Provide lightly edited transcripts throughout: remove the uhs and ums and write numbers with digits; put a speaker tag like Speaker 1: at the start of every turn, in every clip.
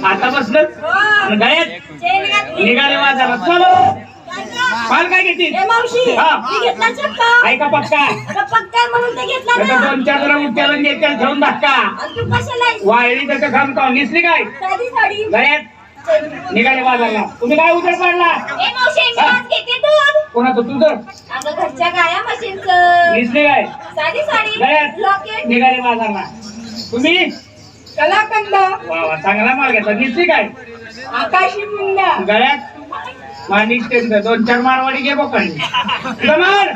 Speaker 1: आता बसलं गळ्यात निघाले बाजारात. चलो माल काय घेतील? ऐका पक्का दोन चार जरा उठ्याला नेत्याला ठेवून धक्का वायरी त्याचं काम का निसली काय गळ्यात निघाले बाजारला. तुम्ही काय उजेड पाडला? कोणाचं तुझं? निसली काय गळ्यात निघाले बाजारला. तुम्ही
Speaker 2: कलाकंद
Speaker 1: वा चांगला माल घेतला. निसली काय
Speaker 2: आकाशी मुंडा
Speaker 1: गळ्यात माणिक टेंड दोन चार मारवाडी घे बोकांनी मार.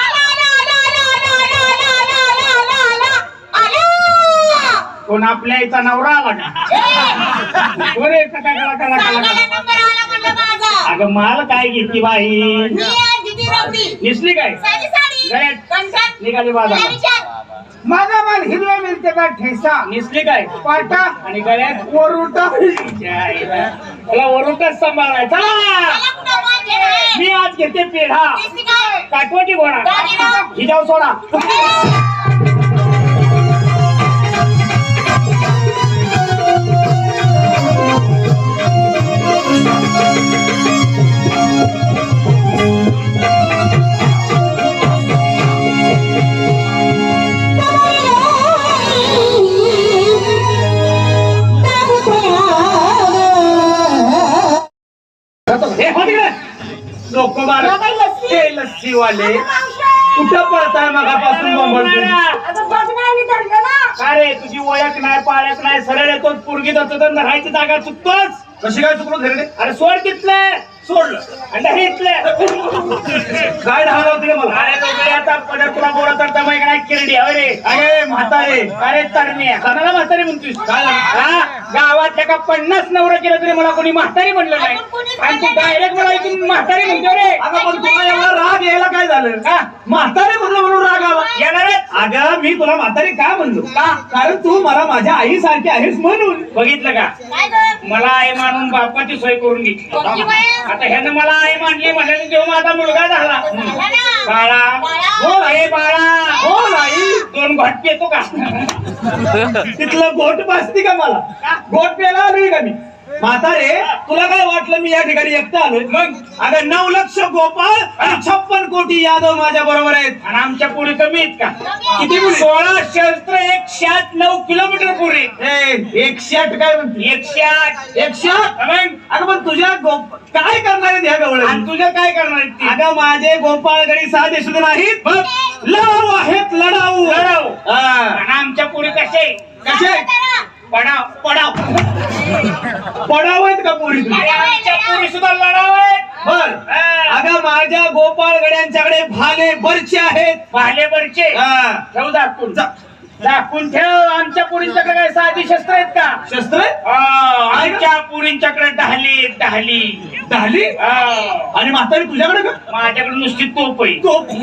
Speaker 1: कोण आपल्या याचा नवरा आला का? कोण येतं का कला कला कला? अगं माल काय घेतली बाई? निसली काय गळ्यात निघाली बाजारात.
Speaker 2: माझा माल हिरव्या मिरच्याचा ठेसा.
Speaker 1: निसली काय
Speaker 2: पाटा
Speaker 1: आणि गळ्यात
Speaker 2: वरुटा.
Speaker 1: त्याला वरुटच सांभाळायचा. मी आज घेते पेढा काटवटी घोडा हिजाव सोडा. लोक लस्सी वाले कुठं पळताय मगापासून अरे तुझी ओळख नाही पाळख नाही सरळ येतोच पोरगी जातो तर राहायची जागा चुकतोच.
Speaker 2: कशी काय चुकलो धरले?
Speaker 1: अरे सोड तिथलं सोडलं आणि इथलं
Speaker 2: काय ढाल होते मला?
Speaker 1: अरे दोघे आता पदर तुला बोलत तर दमाई काय किरडी अरे
Speaker 2: अरे म्हातारे
Speaker 1: अरे तरणे कोणाला म्हातारी म्हणतोस?
Speaker 2: काय
Speaker 1: गावातल्या का 50 नवरा केलं तरी मला कोणी म्हातारी म्हणलं नाही आणि तू डायरेक्ट मला इथून म्हातारी म्हणतो रे.
Speaker 2: अगं पण तुला एवढा राग यायला काय झालं? का म्हातारे म्हणलं म्हणून राग आला?
Speaker 1: येणारच.
Speaker 2: अगं मी तुला म्हातारी का म्हणलो? का? कारण तू मला माझ्या आई सारखी आहेस म्हणून.
Speaker 1: बघितलं का मला आई मानून बापाची सोय करून घेतली. आता ह्यानं मला आई मानली म्हणल्याने जेव्हा माझा मुलगा झाला बाळा हो हे बाळा
Speaker 2: हो नाही
Speaker 1: 2 घोट पितो का?
Speaker 2: तिथलं गोट पाजती का मला? गोट प्यायला आलोय का मी? म्हातारे तुला काय वाटलं मी या ठिकाणी एकटा आलोय? मग अगं 9 लक्ष गोपाळ आणि 56 कोटी यादव माझ्या बरोबर आहेत.
Speaker 1: आणि आमच्या पुढे कमी आहेत का?
Speaker 2: किती पुढे?
Speaker 1: 16 शस्त्र 109 किलोमीटर पुढे.
Speaker 2: 108 काय म्हणते?
Speaker 1: 108
Speaker 2: 108. अगं पण तुझ्या काय करणार आहेत ह्या गवळ?
Speaker 1: आणि तुझं काय करणार आहेत ते?
Speaker 2: अगं माझे गोपाळगडी साधे सुद्धा नाहीत, लढाऊ आहेत. लढाऊ
Speaker 1: आणि आमच्या पुढे कसे
Speaker 2: कसे
Speaker 1: पडाव पडाव
Speaker 2: पडाव आहेत का पोरी तुझी?
Speaker 1: आमच्या पुढे सुद्धा लढाव आहेत.
Speaker 2: बर अगं माझ्या गोपाळगड्यांच्याकडे भाले बरचे आहेत.
Speaker 1: भाले बरचे ठेव दाखवून ठेव. आमच्या पुरींच्याकडे काय साधी शस्त्र आहेत का?
Speaker 2: शस्त्र
Speaker 1: आमच्या पुरींच्याकडे ढाली ढाली
Speaker 2: ढाली. आणि म्हातारी तुझ्याकडे का?
Speaker 1: माझ्याकडे नुसती तोप आहे.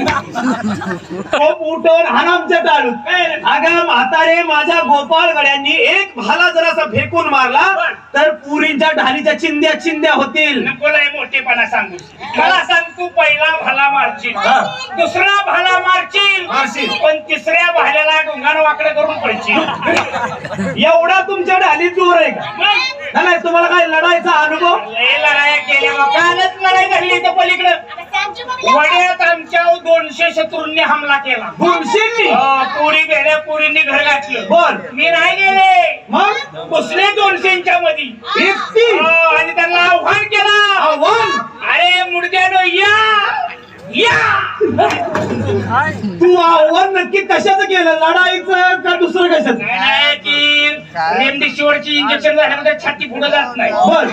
Speaker 2: तोप उठवून आमच्या टाळून. अगं म्हातारे माझ्या गोपाळगड्यांनी एक भाला जर असा फेकून मारला तर पुरींच्या ढालीच्या चिंध्या चिंध्या होतील.
Speaker 1: नकोलाय मोठेपणा सांगू. मला सांग तू पहिला भाला मारशील दुसरा भाला मारशील पण तिसऱ्या भाल्याला डोंगानं वाकडे करून पडशील.
Speaker 2: एवढा तुमच्या ढाली जोर आहे का? नाही तुम्हाला काय लढायचा अनुभव?
Speaker 1: लढाया केल्या कालच लढाई झाली तर पलीकडे वड्यात आमच्या 200 शत्रूंनी हमला केला.
Speaker 2: 200?
Speaker 1: पोरी गेल्या पोरींनी घर घातलं.
Speaker 2: बर
Speaker 1: मी नाही गेले
Speaker 2: मग
Speaker 1: बसले 200च्या मध्ये आणि त्यांना आव्हान केलं.
Speaker 2: आव्हान?
Speaker 1: अरे मुडद्यानो या
Speaker 2: तू आव्हान नक्की कशाचं केलं? लढाईचं का दुसरं कशाचं?
Speaker 1: नाही की रेमडेसिवीरची इंजेक्शन झाल्यामध्ये छाती पुढे जात नाही.
Speaker 2: बर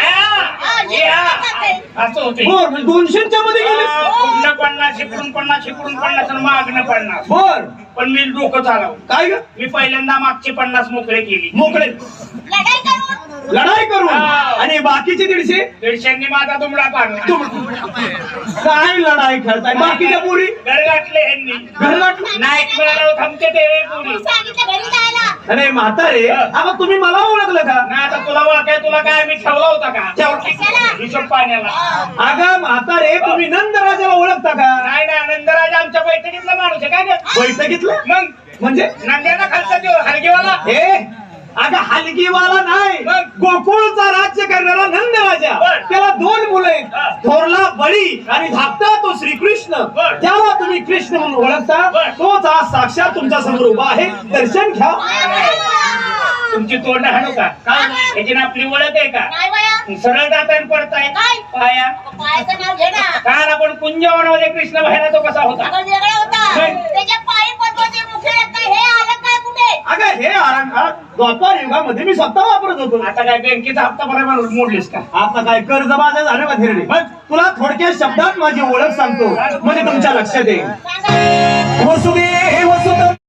Speaker 1: असं होते.
Speaker 2: 200च्या मध्ये गेले?
Speaker 1: पुढनं 50 इकडून 50 इकडून 50 आणि मागणं 50.
Speaker 2: बर
Speaker 1: पण मी डोकं चालव.
Speaker 2: काय ग?
Speaker 1: मी पहिल्यांदा मागचे 50 मोकळे केली.
Speaker 2: मोकळे लढाई करून आणि बाकीचे
Speaker 1: 150 माझा दुमडा पाडला.
Speaker 2: काय लढाई खेळताय? बाकीच्या पुरी
Speaker 1: घर गाठले यांनी.
Speaker 2: घर गाठलं?
Speaker 1: नाईट मिळालं थांबते ते पुरी.
Speaker 2: अरे म्हातारे आता तुम्ही मला ओळखलं का?
Speaker 1: नाही आता तुला ओळखाय तुला काय मी ठेवला होता का हिशोब पाण्याला?
Speaker 2: अगं म्हातारे तुम्ही नंदराजाला ओळखता का?
Speaker 1: नाही ना नंदराज आमच्या बैठकीतला माणूस आहे काय?
Speaker 2: बैठकीतलं?
Speaker 1: मग
Speaker 2: म्हणजे
Speaker 1: नंद्याला खालचा देव हलगेवाला.
Speaker 2: हे अगं हलगीवाला नाही,
Speaker 1: मग?
Speaker 2: गोकुळचा राज्य करणारा नंद राजा.
Speaker 1: बर.
Speaker 2: त्याला 2 मुलं आहेत,
Speaker 1: हा.
Speaker 2: थोरला बळी आणि धाकटा तो श्रीकृष्ण.
Speaker 1: बर.
Speaker 2: त्याला तुम्ही कृष्ण म्हणून ओळखता.
Speaker 1: बर.
Speaker 2: तोच आज साक्षात तुमच्या समोर उभा आहे. दर्शन घ्या.
Speaker 1: तुमची तोंड हाणू का याची ना आपली ओळख आहे का
Speaker 3: नाही बाया,
Speaker 1: सरळ जाताना पडताय
Speaker 3: काय?
Speaker 1: पाया
Speaker 3: पायाचं नाव घे ना.
Speaker 1: काल आपण कुंजवनामध्ये कृष्ण पाहिला तो कसा होता
Speaker 3: अगं वेगळा होता.
Speaker 1: काय?
Speaker 3: त्याच्या पायी पद्माचे मुखे रत्न हे आलं काय कुठे?
Speaker 2: अगं हे अलंकार द्वापार युगामध्ये मी स्वतः वापरत होतो.
Speaker 1: आता काय बँकेचा हप्ता बरोबर मोडलीस का
Speaker 2: आता काय कर्जबाजा झालं का धीरडे? तुला थोडक्या शब्दात माझी ओळख सांगतो म्हणजे तुमच्या लक्षात येईल.
Speaker 3: सांगा.
Speaker 2: वसुदेव वसुदेव